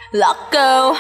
Lock go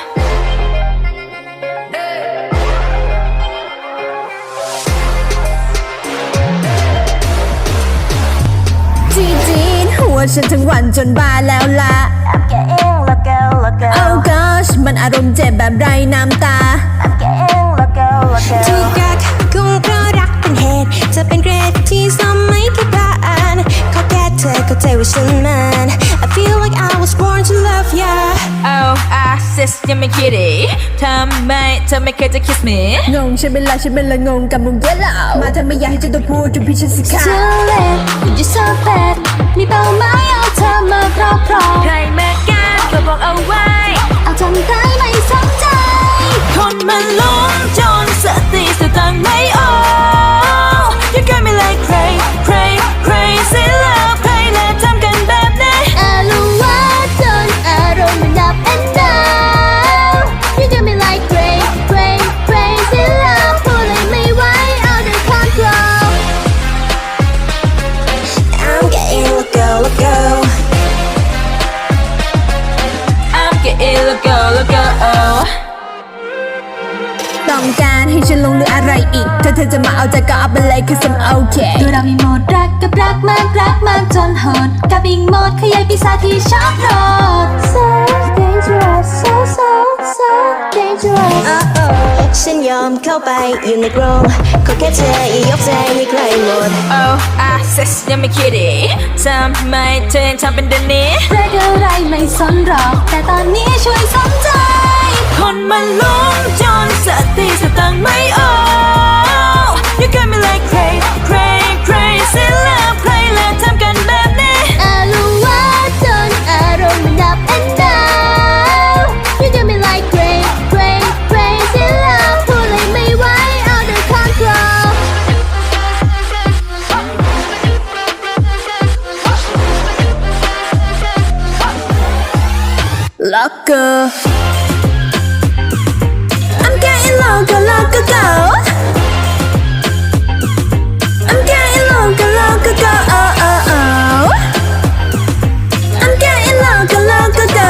จีนหัวฉันทั้งวันจนบ้าแล้วล่ะ I'm getting loco loco Oh gosh มันอารมณ์เจ็บแบบไร้น้ำตา I'm getting loco loco ถูกกักกุมเพราะรักเป็นเหตุจะเป็นเกรดที่ซ้ำไม่คิดผ่านขอแค่เธอเข้าใจว่าฉันมัน I feel like I was born to love ya Oh I sis ยังไม่คิดอีกทำไมเธอไม่เคยจะ kiss me งงฉันเป็นละงงกับมึงเยอะแล้วมาทำไมอยากให้เจ้าตัวพูดจนพี่ฉันสิคะ Too late you so bad มีเป้าหมายเอาเธอมาครอบครองใครมาแก้ก็บอกเอาไว้เอาทำได้ไม่สนใจคนมันหลงจนสติสตังค์ไม่ออก You got me like crazy love ใครและทำกันแบบนี้อารวาสจนอารมณ์มันดับ and down You do me like crazy love พูดเลยไม่ไหว out of control I'm getting loco loco I'm getting loco ต้องการให้ฉันลงหรืออะไรอีกถ้าเธอจะมาเอาใจก็เอาไปเลย cause I'm okay ดูเรามีโหมดรักกับรักมากจนโหดกับอีกโหมดขยายปีศาจที่ชอบโหด So dangerous so dangerous ฉันยอมเข้าไปอยู่ในกรงขอแค่เธอยกใจให้ใครหมด Oh I sis ยังไม่คิดอีกทำไมเธอยังทำเป็นเดินนี้เรื่องอะไรไม่สนหรอกแต่ตอนนี้ช่วยสนใจคนมันหลงจนสติสตังค์ไม่ออก You got me like crazy love ใครและทำกันแบบนี้อารวาสจนอารมณ์มันดับ and down You do me like crazy love พูดเลยไม่ไหว out of control Locker I'm getting loco go I'm getting loco go oh oh oh I'm getting loco go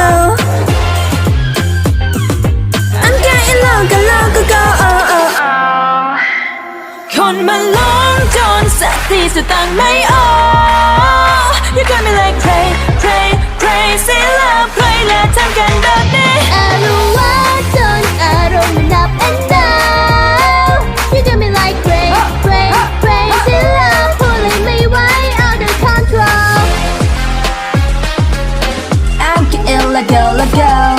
I'm getting loco go oh oh oh คนมันหลงจนสติสตังค์ไม่ออก You got me like crazy love ใครและทำกันแบบนี้อารวาสจนอารมณ์มันดับ and down You do me like crazy love พูดเลยไม่ไหว out of control I'm getting loco